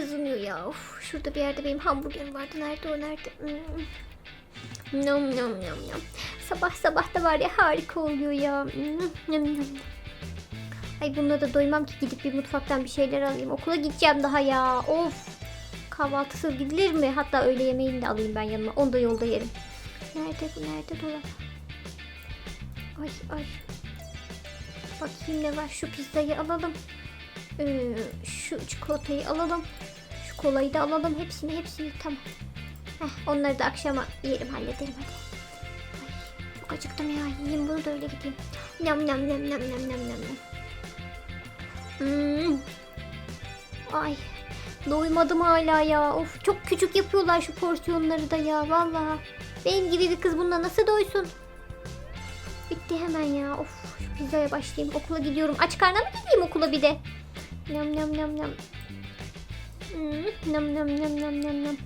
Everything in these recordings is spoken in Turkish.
kızınıyor ya. Of, şurada bir yerde benim hamburgerim vardı. Nerede o, nerede? Nom nom nom nom. Sabah sabah da var ya, harika oluyor ya. Nom nom. Ay bununla da doymam ki, gidip bir mutfaktan bir şeyler alayım. Okula gideceğim daha ya. Of. Kahvaltısız gidilir mi? Hatta öğle yemeğini de alayım ben yanıma. Onu da yolda yerim. Nerede bu? Nerede dolap? Ay ay. Bakayım ne var. Şu pizzayı alalım. Şu çikolatayı alalım. Şu kolayı da alalım. Hepsini. Tamam. Onları da akşama yerim, hallederim hadi. Ay, çok acıktım ya. Yiyeyim bunu da öyle gideyim. Nam nam nam nam nam nam nam. Ay. Doymadım hala ya. Of, çok küçük yapıyorlar şu porsiyonları da ya. Vallahi. Benim gibi bir kız bununla nasıl doysun? Bitti hemen ya. Of, şu pizzaya başlayayım. Okula gidiyorum. Aç karnına mı gideyim okula bir de? Nam nam nam nam. Nam nam nam nam nam nam.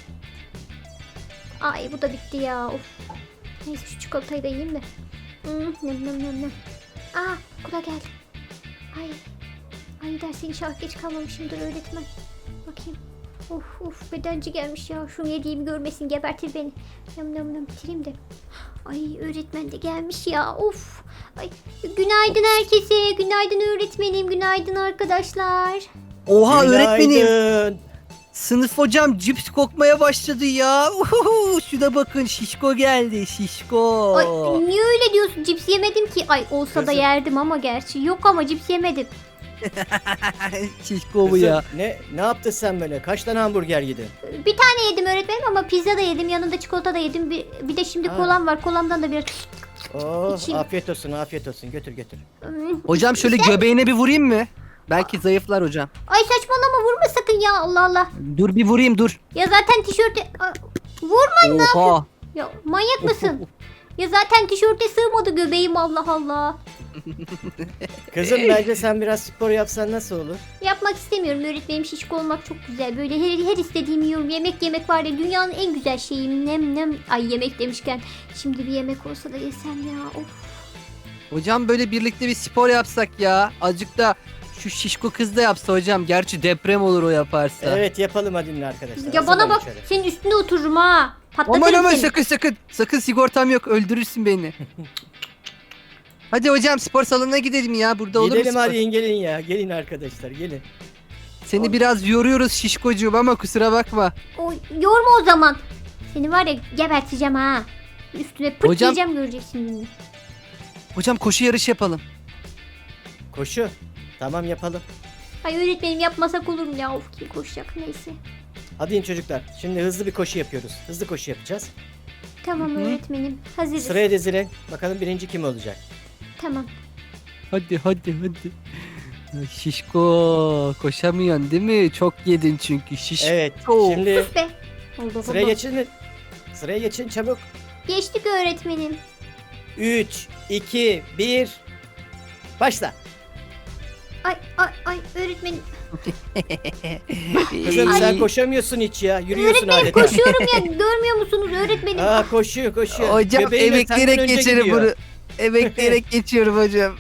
Ay bu da bitti ya. Of. Neyse şu çikolatayı da yiyeyim de. Nam nam nam nam. Aa, okula geldim. Ay derse inşallah geç kalmamışımdır öğretmen. Bakayım. Of bedenci gelmiş ya. Şunu yediğimi görmesin, gebertir beni. Nam nam nam, bitireyim de. Ay öğretmen de gelmiş ya. Of. Ay günaydın herkese. Günaydın öğretmenim. Günaydın arkadaşlar. Oha öğretmenim. Günaydın. Sınıf hocam cips kokmaya başladı ya. Uhuhu, şuna bakın, şişko geldi, şişko. Ay niye öyle diyorsun? Cips yemedim ki. Ay olsa da Kızım. yerdim ama gerçi. Yok ama cips yemedim. Şişko bu Kızım, ya. ne yaptın sen böyle? Kaç tane hamburger yedin? Bir tane yedim öğretmenim ama pizza da yedim. Yanında çikolata da yedim. Bir de şimdi Ha. kolam var. Kolamdan da biraz... Oo, İçeyim. afiyet olsun. Götür. Hocam şöyle göbeğine bir vurayım mı? Belki zayıflar hocam. Ay saçmalama, vurma sakın ya, Allah Allah. Dur bir vurayım, dur. Ya zaten tişörte... Aa, vurma. Oha. Ya manyak mısın? Ya zaten tişörte sığmadı göbeğim, Allah Allah. Kızım bence sen biraz spor yapsan nasıl olur? Yapmak istemiyorum öğretmenim, şişko olmak çok güzel. Böyle her istediğimi yiyorum. Yemek var ya, dünyanın en güzel şeyi. Nem. Ay yemek demişken şimdi bir yemek olsa da yesem ya. Of. Hocam böyle birlikte bir spor yapsak ya. Azıcık da şu şişko kız da yapsa hocam. Gerçi deprem olur o yaparsa. Evet yapalım hadi arkadaşlar. Ya bana Hazırlanın bak, şöyle. senin üstüne otururum ha. Patlatırım Aman seni. sakın. Sakın, sigortam yok, öldürürsün beni. Hadi hocam spor salonuna gidelim ya. Burada olur mu Gidelim spor? hadi gelin ya. Gelin arkadaşlar gelin. Seni biraz yoruyoruz şişkocuğum ama kusura bakma. O, yorma o zaman. Seni var ya geberteceğim ha. Üstüne pırt Hocam- diyeceğim, göreceksin şimdi. Hocam koşu yarışı yapalım. Koşu. Tamam yapalım. Ay öğretmenim, yapmasak olur mu ya? Of, kim koşacak, neyse. Hadi in çocuklar. Şimdi hızlı bir koşu yapıyoruz. Hızlı koşu yapacağız. Tamam Hı hı. öğretmenim, hazırız. Sıraya dizilin. Bakalım birinci kim olacak? Tamam. Hadi. Şişko koşamıyorsun değil mi? Çok yedin çünkü şişko. Evet. Şimdi Sus be. Allah sıraya Allah. geçin. Sıraya geçin çabuk. Geçtik öğretmenim. 3, 2, 1. Başla. Ay öğretmenim. Kızım Ay. sen koşamıyorsun hiç ya. Yürüyorsun Öğretmenim adeta. koşuyorum ya, görmüyor musunuz öğretmenim? Aa koşuyor. Hocam Göbeğiyle senden emekleyerek önce geçerim gidiyor. bunu. Emekleyerek geçiyorum hocam.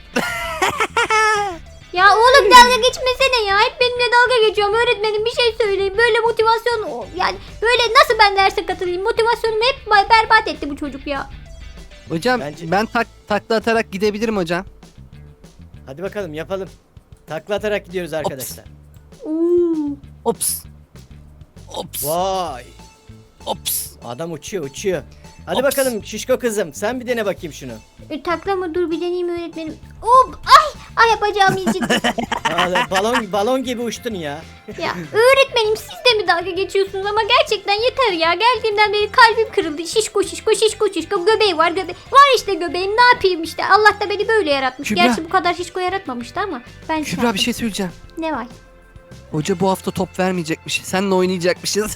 Ya oğlum dalga geçmesene ya. Hep benimle dalga geçiyorum öğretmenim, bir şey söyleyeyim. Böyle motivasyon, yani böyle nasıl ben derse katılayım? Motivasyonumu hep berbat etti bu çocuk ya. Hocam Bence- ben takla atarak gidebilirim hocam. Hadi bakalım yapalım. Takla atarak gidiyoruz arkadaşlar. Oo. Ops. Vay. Ops. Adam uçuyor. Hadi Ops. bakalım şişko kızım. Sen bir dene bakayım şunu. Takla mı? Dur bir deneyeyim öğretmenim. Hop! Ay bacağım incittim. Balon gibi uçtun ya. Ya öğretmenim, siz de mi dalga geçiyorsunuz ama gerçekten yeter ya. Geldiğimden beri kalbim kırıldı. Şişko. Göbeği var. Var işte göbeğim, ne yapayım işte. Allah da beni böyle yaratmış. Kübra. Gerçi bu kadar şişko yaratmamıştı ama ben Kübra yaptım. bir şey söyleyeceğim. Ne var? Hoca bu hafta top vermeyecekmiş. Seninle oynayacakmışız.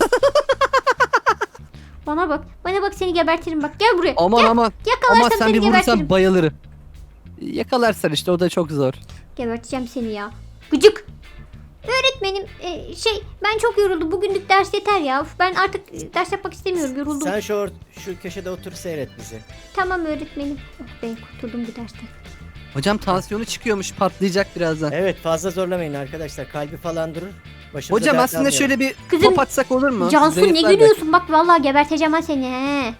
Bana bak seni gebertirim bak. Gel buraya. aman. Ama Yakalarsam sen seni bir vurursan gebertirim. bayılırım. Yakalarsan işte, o da çok zor. Geberteceğim seni ya. Gıcık. Öğretmenim ben çok yoruldum. Bugünlük ders yeter ya. Uf, ben artık ders yapmak istemiyorum. Yoruldum. Sen şu köşede otur seyret bizi. Tamam öğretmenim. Oh, ben kurtuldum bu dersten. Hocam tansiyonu çıkıyormuş, patlayacak birazdan. Evet fazla zorlamayın arkadaşlar. Kalbi falan durur. Başımıza Hocam dert aslında almayalım. şöyle bir Kızım, top atsak olur mu? Cansu ne Zayıflar gülüyorsun? Bak vallahi geberteceğim ha seni he.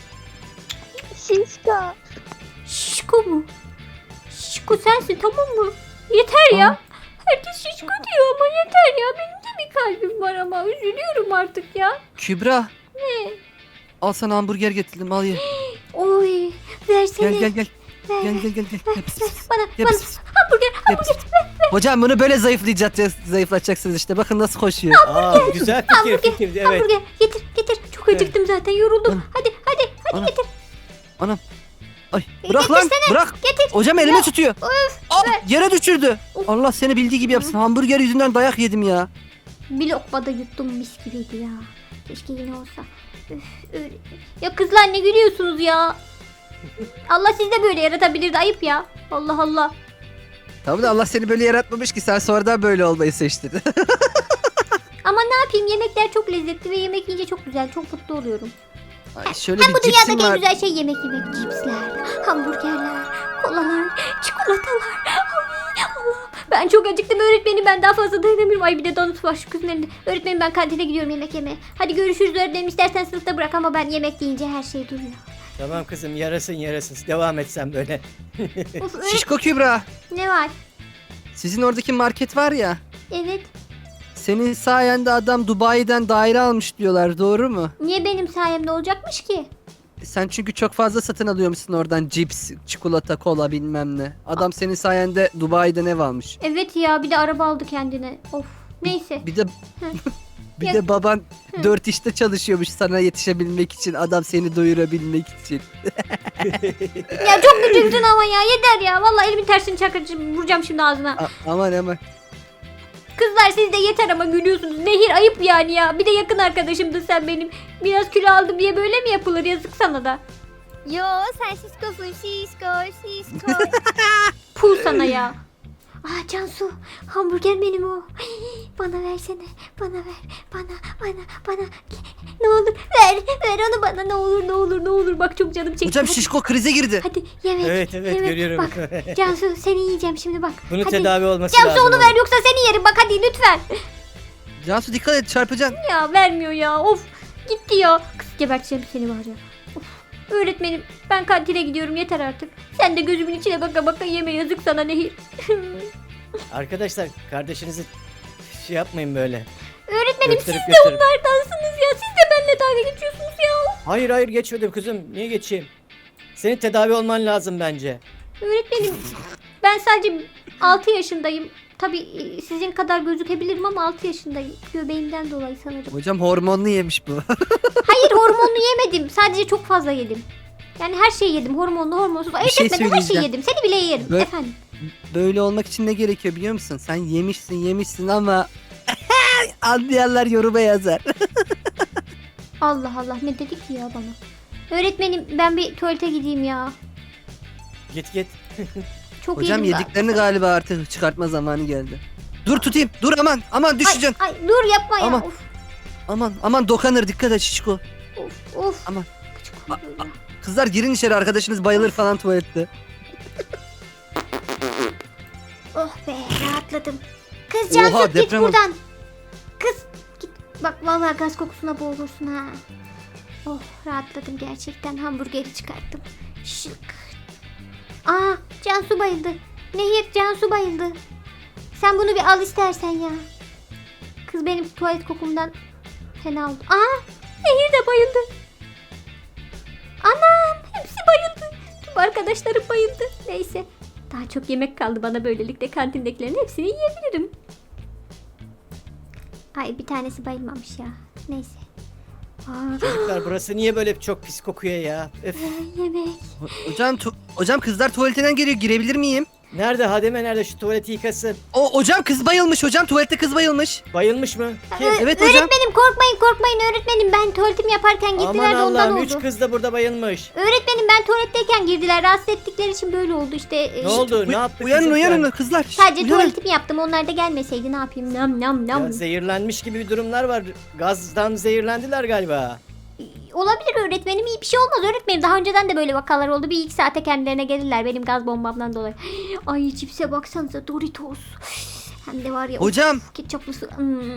Şişko. Şişko mu? Şişko sensin tamam mı? Yeter ya. Herkes şişko diyor ama yeter ya. Benim de bir kalbim var ama üzülüyorum artık ya. Kübra. Ne? Al sana hamburger getirdim al ye. Oy versene. Gel gel gel. Ver, Gel gel gel gel. ver, Gel, pis, ver. pis. Bana, Gel, bana pis, pis. hamburger, Gel, pis, pis. Hocam bunu böyle zayıflatacaksınız işte. Bakın nasıl koşuyor. Aa, güzel fikir evet. hamburger. Getir, getir. Çok acıktım zaten yoruldum. Anam. Hadi Anam. getir. Anam. Ay bırak lan bırak. Getir. Hocam elime tutuyor. Öf, Yere düşürdü. Of. Allah seni bildiği gibi yapsın. Hamburger yüzünden dayak yedim ya. Bir lokmada yuttum mis gibiydi ya. Keşke yine olsa. Üf, öyle. Ya kızlar ne gülüyorsunuz ya? Allah sizi de böyle yaratabilirdi ayıp ya. Allah Allah. Tamam da Allah seni böyle yaratmamış ki sen sonradan böyle olmayı seçtin. Ama ne yapayım yemekler çok lezzetli ve yemek yiyince çok güzel. Çok mutlu oluyorum. Ay, şöyle Hem bir bu cipsim dünyadaki en var. güzel şey yemek yemek. Cipsler, hamburgerler, kolalar, çikolatalar. Ay Allah'ım. Ben çok acıktım öğretmenim ben daha fazla dayanamıyorum. Ay bir de donut var şu kızın elinde. Öğretmenim ben kantine gidiyorum yemek yemeye. Hadi görüşürüz öğretmenim istersen sınıfta bırak ama ben yemek yiyince her şey duruyor. Tamam kızım yarasın. Devam et sen böyle. Of, Şişko Kübra. ne var? Sizin oradaki market var ya. Evet. Senin sayende adam Dubai'den daire almış diyorlar. Doğru mu? Niye benim sayemde olacakmış ki? Sen çünkü çok fazla satın alıyormuşsun oradan cips, çikolata, kola bilmem ne. Adam senin sayende Dubai'den ev almış. Evet ya bir de araba aldı kendine. Of. Neyse. Bir de bir de baban 4 işte çalışıyormuş sana yetişebilmek için. Adam seni doyurabilmek için. Ya çok gıcıksın ama ya yeter ya. Vallahi elimin tersini çakacağım vuracağım şimdi ağzına. Aman aman. Kızlar siz de yeter ama gülüyorsunuz. Nehir ayıp yani ya. Bir de yakın arkadaşımdın sen benim. Biraz kilo aldım diye böyle mi yapılır yazık sana da. Yo sen şişkosun şişko. Puh sana ya. Aa Cansu hamburger benim o. Ay, bana versene. Bana ver. Bana. Ne olur ver onu bana ne olur. Bak çok canım çekti. Hocam Hadi, şişko krize girdi. hadi yemek. Evet görüyorum. Bak Cansu seni yiyeceğim şimdi bak. Bunun hadi. tedavi olması Cansu lazım. onu oğlum. ver yoksa seni yerim bak hadi lütfen. Cansu dikkat et çarpacaksın. Ya vermiyor ya of gitti ya. Kız geberteceğim seni var ya. Of. Öğretmenim ben kantine gidiyorum yeter artık. Sen de gözümün içine baka baka yeme yazık sana Nehir. Arkadaşlar kardeşinizi şey yapmayın böyle. Öğretmenim siz Gösterip de gösterip. onlardansınız ya. Siz de benimle dalga geçiyorsunuz ya. Hayır geçmedim kızım. Niye geçeyim? Senin tedavi olman lazım bence. Öğretmenim ben sadece 6 yaşındayım. Tabii sizin kadar gözükebilirim ama 6 yaşındayım. Göbeğimden dolayı sanırım. Hocam hormonlu yemiş bu. Hayır hormonlu yemedim. Sadece çok fazla yedim. Yani her şeyi yedim. Hormonlu, hormonsuz. Ayırt şey etmedim. Her şeyi söyleyeceğim. yedim. Seni bile yerim. Böyle- Efendim. Böyle olmak için ne gerekiyor biliyor musun? Sen yemişsin ama anlayanlar yoruma yazar. Allah Allah ne dedi ki ya bana. Öğretmenim ben bir tuvalete gideyim ya. Git. Çok Hocam yedim yediklerini galiba artık çıkartma zamanı geldi. Dur tutayım. Dur aman düşeceksin. Ay dur yapma ya. Aman. Of Aman dokanır dikkat et şişko. of. Aman. Gıcık oluyor ya. Kızlar girin içeri arkadaşınız bayılır falan tuvalette. Oh be rahatladım. Kız Oha, Cansu git deprem oldu. buradan. Kız git. Bak vallahi gaz kokusuna boğulursun ha. Oh rahatladım gerçekten hamburgeri çıkarttım. Şık. Aa Cansu bayıldı. Nehir Cansu bayıldı. Sen bunu bir al istersen ya. Kız benim tuvalet kokumdan fena oldu. Aa Nehir de bayıldı. Anam hepsi bayıldı. Tüm arkadaşlarım bayıldı. Neyse. Daha çok yemek kaldı bana böylelikle kantindekilerin hepsini yiyebilirim. Ay bir tanesi bayılmamış ya. Neyse. Aa, Çocuklar burası niye böyle çok pis kokuyor ya? Öf. yemek. Hocam kızlar tuvaletinden geliyor girebilir miyim? Nerede Hademe nerede şu tuvaleti yıkasın? Hocam kız bayılmış hocam tuvalette kız bayılmış. Bayılmış mı? Kim? Evet hocam. Öğretmenim korkmayın öğretmenim. Ben tuvaletimi yaparken girdiler Aman de ondan Allah'ım oldu. 3 kız da burada bayılmış. Öğretmenim ben tuvaletteyken girdiler. Rahatsız ettikleri için böyle oldu işte. Ne oldu? Ne yaptı? Uyanın kızlar. Şşt, Sadece uyanın. tuvaletimi yaptım. Onlar da gelmeseydi ne yapayım? Nam. Ya, zehirlenmiş gibi bir durumlar var. Gazdan zehirlendiler galiba. Olabilir öğretmenim iyi bir şey olmaz öğretmenim. Daha önceden de böyle vakalar oldu. Bir iki saate kendilerine gelirler benim gaz bombamdan dolayı. Ay cipse baksanıza Doritos. Hem de var ya. Hocam. Ketçaplısı.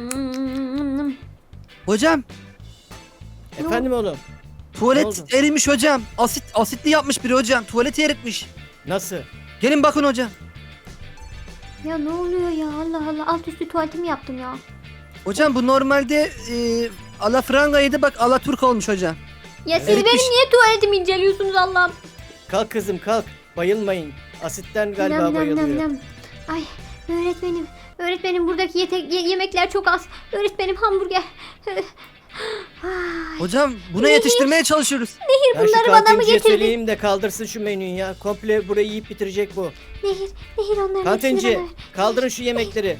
Hocam Efendim oğlum. Ne tuvalet oldu? erimiş hocam. Asitli yapmış biri hocam. Tuvaleti eritmiş. Nasıl? Gelin bakın hocam. Ya ne oluyor ya, Allah Allah, alt üstü tuvaletimi yaptım ya. Hocam bu normalde alafrangaydı, bak alaturk olmuş hocam. Ya siz Evet, benim düş- niye tuvaletimi inceliyorsunuz Allah'ım? Kalk kızım kalk. Bayılmayın. Asitten galiba Nam nam nam bayılıyor. nam. Ay öğretmenim buradaki yemekler çok az. Öğretmenim hamburger. Ay, Hocam buna yetiştirmeye çalışıyoruz. Ya şu bunları bana mı kantinciye getirdin? söyleyeyim de kaldırsın şu menüyü ya. Komple burayı yiyip bitirecek bu. Nehir onların hepsini Kantinci bana ver. kaldırın şu yemekleri.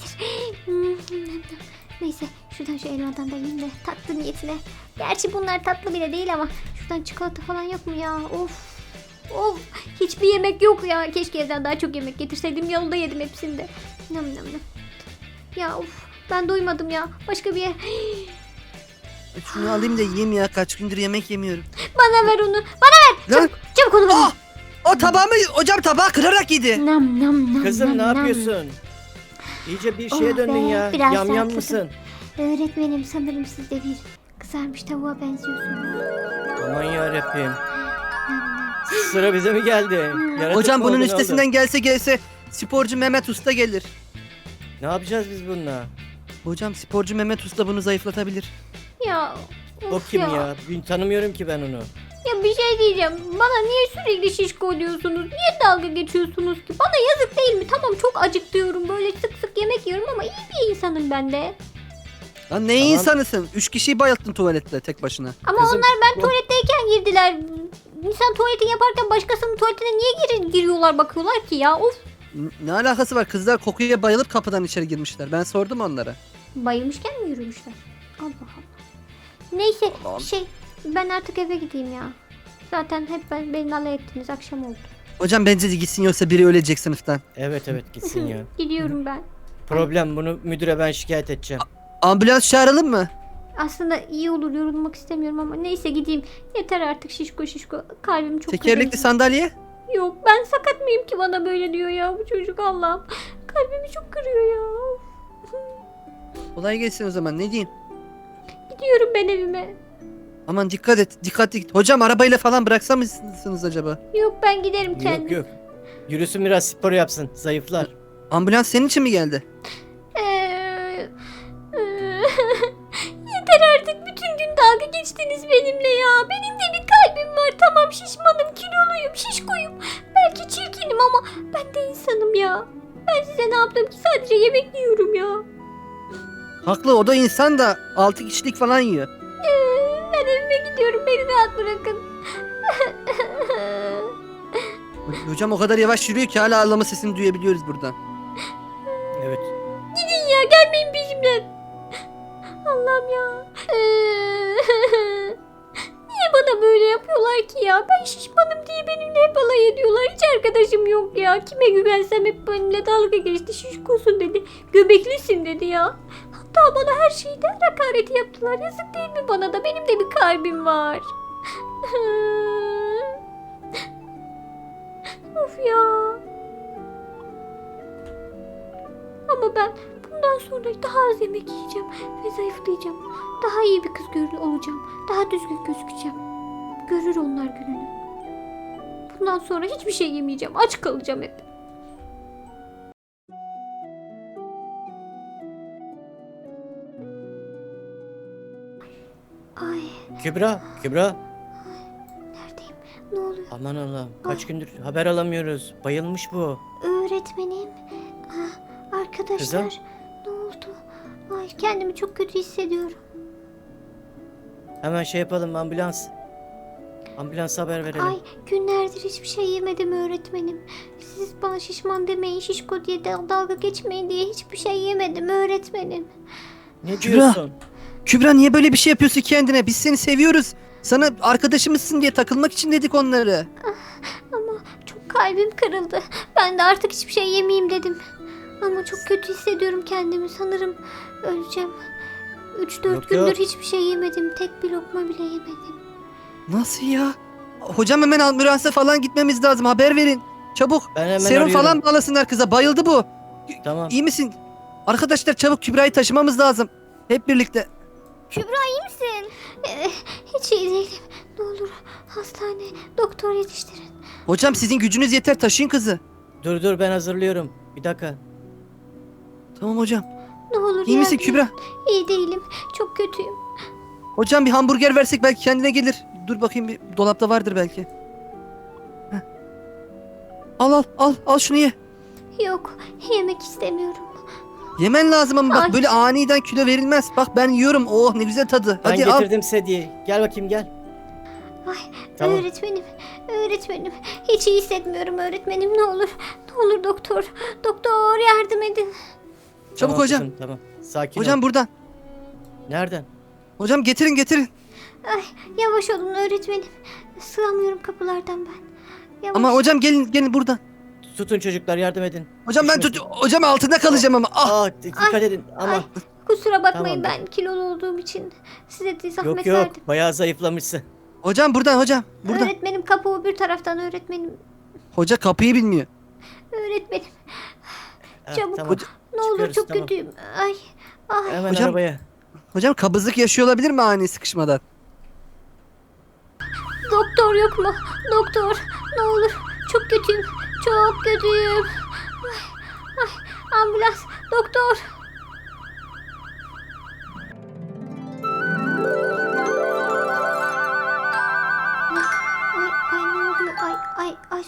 Neyse şuradan şu elmadan da yiyeyim de tatlı niyetine. Gerçi bunlar tatlı bile değil ama şuradan çikolata falan yok mu ya? Of hiçbir yemek yok ya. Keşke evden daha çok yemek getirseydim, yolda yedim hepsini de. Nam nam nam. Ya ben doymadım ya. Başka bir yer. Şunu alayım da yiyeyim ya, kaç gündür yemek yemiyorum. Bana ver onu. Bana Lan çabuk onu bana. o tabağımı hocam tabağı kırarak yedi. Nam nam nam. Kızım ne nam, nam. yapıyorsun? İyice bir Oh şeye döndün be, ya. biraz Yam yam rahatladım. mısın? Öğretmenim sanırım siz de bir kızarmış tavuğa benziyorsunuz. Aman yarabbim. Nam nam. Sıra bize mi geldi? Yaratık Hocam mı bunun oldun üstesinden oğlum? gelse sporcu Mehmet Usta gelir. Ne yapacağız biz bununla? Hocam sporcu Mehmet Usta bunu zayıflatabilir. Ya O of kim ya? Tanımıyorum ki ben onu. Ya bir şey diyeceğim. Bana niye sürekli şişko diyorsunuz? Niye dalga geçiyorsunuz ki? Bana yazık değil mi? Tamam çok acıktıyorum. Böyle sık sık yemek yiyorum ama iyi bir insanım ben de. Lan ne Tamam. insanısın? 3 kişiyi bayılttın tuvalette tek başına. Ama Kızım, onlar ben bu- tuvaletteyken girdiler. İnsan tuvaletini yaparken başkasının tuvaletine niye giriyorlar bakıyorlar ki ya? Of. Ne alakası var? Kızlar kokuya bayılıp kapıdan içeri girmişler. Ben sordum onlara. Bayılmışken mi yürümüşler? Allah Allah. Neyse Allah'ım. ben artık eve gideyim ya. Zaten hep beni alay ettiniz, akşam oldu. Hocam bence de gitsin, yoksa biri ölecek sınıftan. Evet gitsin ya. Gidiyorum ben. Problem, bunu müdüre ben şikayet edeceğim. Ambulans çağıralım mı? Aslında iyi olur, yorulmak istemiyorum ama neyse gideyim. Yeter artık şişko. Kalbim çok Tekerlekli kırıldı. sandalye? Yok ben sakat mıyım ki bana böyle diyor ya bu çocuk, Allah'ım. Kalbimi çok kırıyor ya. Kolay gelsin o zaman, ne diyeyim? Gidiyorum ben evime. Aman dikkat et, dikkatli git. Hocam arabayla falan bıraksa mısınız acaba? Yok ben giderim kendim. Yok. Yürüsün biraz, spor yapsın. Zayıflar. Ambulans senin için mi geldi? Yeter artık, bütün gün dalga geçtiniz benimle ya. Benim de bir kalbim var, tamam şişmanım, kiloluyum, şişkoyum. Belki çirkinim ama ben de insanım ya. Ben size ne yaptım ki, sadece yemek yiyorum ya. Haklı, o da insan da 6 kişilik falan yiyor. Ben evime gidiyorum, beni rahat bırakın. Hocam o kadar yavaş yürüyor ki hala ağlama sesini duyabiliyoruz buradan. Evet. Gidin ya, gelmeyin peşimden. Allah'ım ya. Niye bana böyle yapıyorlar ki ya? Ben şişmanım diye benimle hep alay ediyorlar. Hiç arkadaşım yok ya. Kime güvensem hep benimle dalga geçti. Şişkosun dedi. Göbeklisin dedi ya. Hatta bana her şeyden hakareti yaptılar. Yazık değil mi bana da? Benim de bir kalbim var. Of ya. Ama ben bundan sonra daha az yemek yiyeceğim ve zayıflayacağım. Daha iyi bir kız olacağım. Daha düzgün gözükeceğim. Görür onlar gününü. Bundan sonra hiçbir şey yemeyeceğim. Aç kalacağım hep. Ay, Kübra. neredeyim? Ne oluyor? Aman Allah'ım. Kaç gündür haber alamıyoruz. Bayılmış bu. Öğretmenim. Arkadaşlar. Kızım? Ne oldu? Ay, kendimi çok kötü hissediyorum. Hemen şey yapalım, ambulans. Ambulansa haber verelim. Ay, günlerdir hiçbir şey yemedim öğretmenim. Siz bana şişman demeyin, şişko diye dalga geçmeyin diye hiçbir şey yemedim öğretmenim. Ne Kübra. diyorsun? Kübra niye böyle bir şey yapıyorsun kendine? Biz seni seviyoruz. Sana arkadaşımızsın diye takılmak için dedik onları. Ama çok kalbim kırıldı. Ben de artık hiçbir şey yemeyeyim dedim. Ama çok kötü hissediyorum kendimi. Sanırım öleceğim. 3-4 Yok, gündür yok. hiçbir şey yemedim. Tek bir lokma bile yemedim. Nasıl ya? Hocam hemen ambulansa falan gitmemiz lazım. Haber verin. Çabuk. Ben hemen Serum arıyorum. falan bağlasınlar kıza. Bayıldı bu. Tamam. İyi misin? Arkadaşlar çabuk Kübra'yı taşımamız lazım. Hep birlikte. Kübra iyi misin? Hiç iyi değilim. Ne olur hastane, doktor yetiştirin. Hocam sizin gücünüz yeter, taşıyın kızı. Dur ben hazırlıyorum. Bir dakika. Tamam hocam. Ne olur İyi misin yardım Kübra? et. İyi değilim. Çok kötüyüm. Hocam bir hamburger versek belki kendine gelir. Dur bakayım, bir dolapta vardır belki. Heh. Al şunu ye. Yok, yemek istemiyorum. Yemen lazım ama bak Ay. böyle aniden kilo verilmez. Bak ben yiyorum. Oh ne güzel tadı. Ben Hadi al. getirdim sedyeyi. Gel bakayım gel. Ay, Tamam. öğretmenim. Hiç iyi hissetmiyorum öğretmenim. Ne olur doktor. Doktor yardım edin. Çabuk Tamam hocam. kızım, tamam. Sakin Hocam ol. buradan. Nereden? Hocam getirin. Ay, yavaş olun öğretmenim. Sığamıyorum kapılardan ben. Yavaş. Ama hocam gelin buradan. Tutun çocuklar, yardım edin. Hocam ben Düşmesin. hocam altında kalacağım ama. Ah. Dikkat edin ama. Ay, kusura bakmayın Tamam. ben kilolu olduğum için size de zahmet Yok verdim. bayağı zayıflamışsın. Hocam buradan. Öğretmenim kapı öbür taraftan öğretmenim. Hoca kapıyı bilmiyor. Öğretmenim Ha, Çabuk. Tamam. ne olur Çıkıyoruz, çok tamam. kötüyüm. Ay. Hemen Hocam- arabaya. Hocam kabızlık yaşıyor olabilir mi ani sıkışmadan? Doktor yok mu? Doktor ne olur. Çok kötüyüm. Çok kötüyüm. Ay, ambulans. Doktor. Ay ne oluyor? Ay.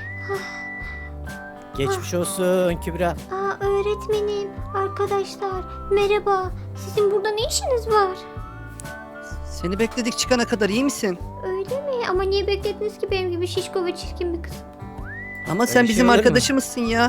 Geçmiş olsun Kübra. Öğretmenim, arkadaşlar merhaba. Sizin burada ne işiniz var? Seni bekledik çıkana kadar, iyi misin? Öyle mi? Ama niye beklediniz ki benim gibi şişko ve çirkin bir kız? Ama sen Öyle bizim şey olur mu? arkadaşımızsın ya.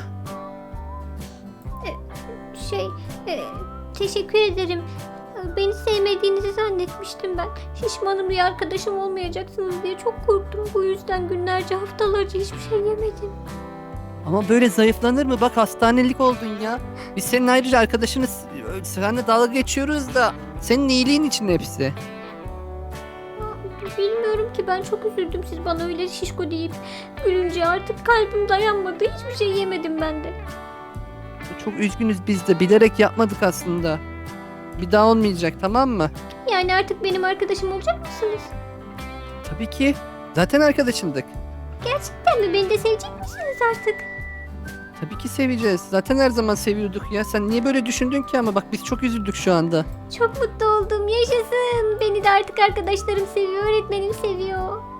Şey, teşekkür ederim. Beni sevmediğinizi zannetmiştim ben. Şişmanım diye arkadaşım olmayacaksınız diye çok korktum. Bu yüzden günlerce, haftalarca hiçbir şey yemedim. Ama böyle zayıflanır mı? Bak hastanelik oldun ya. Biz senin ayrıca arkadaşınız. Seninle dalga geçiyoruz da senin iyiliğin için hepsi. Bilmiyorum ki ben çok üzüldüm siz bana öyle şişko deyip gülünce artık kalbim dayanmadı. Hiçbir şey yemedim ben de. Çok üzgünüz biz de. Bilerek yapmadık aslında. Bir daha olmayacak, tamam mı? Yani artık benim arkadaşım olacak mısınız? Tabii ki. Zaten arkadaşındık. Gerçekten mi? Beni de sevecek misiniz artık? Tabii ki seveceğiz. Zaten her zaman seviyorduk ya. Sen niye böyle düşündün ki ama? Bak biz çok üzüldük şu anda. Çok mutlu oldum. Yaşasın. Beni de artık arkadaşlarım seviyor. Öğretmenim seviyor.